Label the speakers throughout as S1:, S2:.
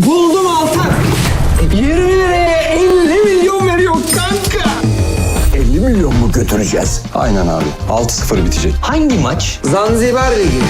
S1: Buldum Altan. 20 liraya 50 milyon veriyor kanka.
S2: 50 milyon mu götüreceğiz?
S3: Aynen abi. 6-0 bitecek.
S4: Hangi maç?
S1: Zanzibar Ligi.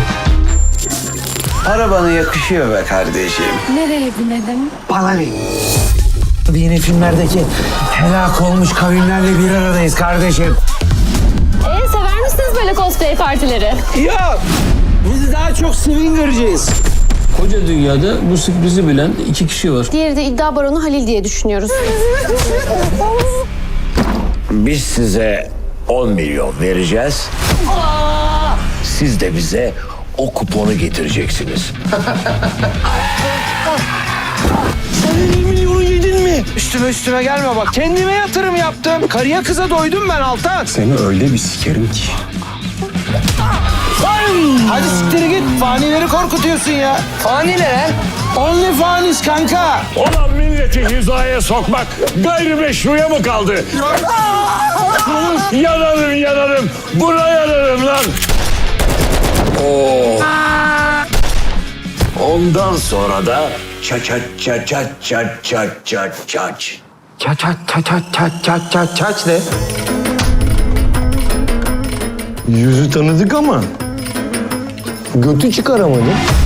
S2: Arabana yakışıyor be kardeşim.
S5: Nereye binelim?
S1: Bana yine filmlerdeki helak olmuş kavimlerle bir aradayız kardeşim.
S5: Sever misiniz böyle cosplay partileri?
S1: Yok. Biz daha çok swinger'cıyız.
S6: Koca dünyada bu sürprizi bilen 2 kişi var.
S5: Diğeri de iddia baronu Halil diye düşünüyoruz.
S2: Biz size 10 milyon vereceğiz. Siz de bize o kuponu getireceksiniz.
S1: Sen 50 milyonu yedin mi? Üstüme gelme bak. Kendime yatırım yaptım. Karıya kıza doydum ben Altan.
S3: Seni öyle bir sikerim ki.
S1: Hadi siktir git. Fanileri korkutuyorsun ya. Fani ne lan? Only fanis kanka.
S7: Olan milleti hizaya sokmak gayrimeşruya mı kaldı? Yanarım. Buna yanarım lan.
S2: Ondan sonra da çat çat çat çat çat çat çat çat.
S1: Çaç ne?
S3: Yüzü tanıdık ama götü çıkaramadı.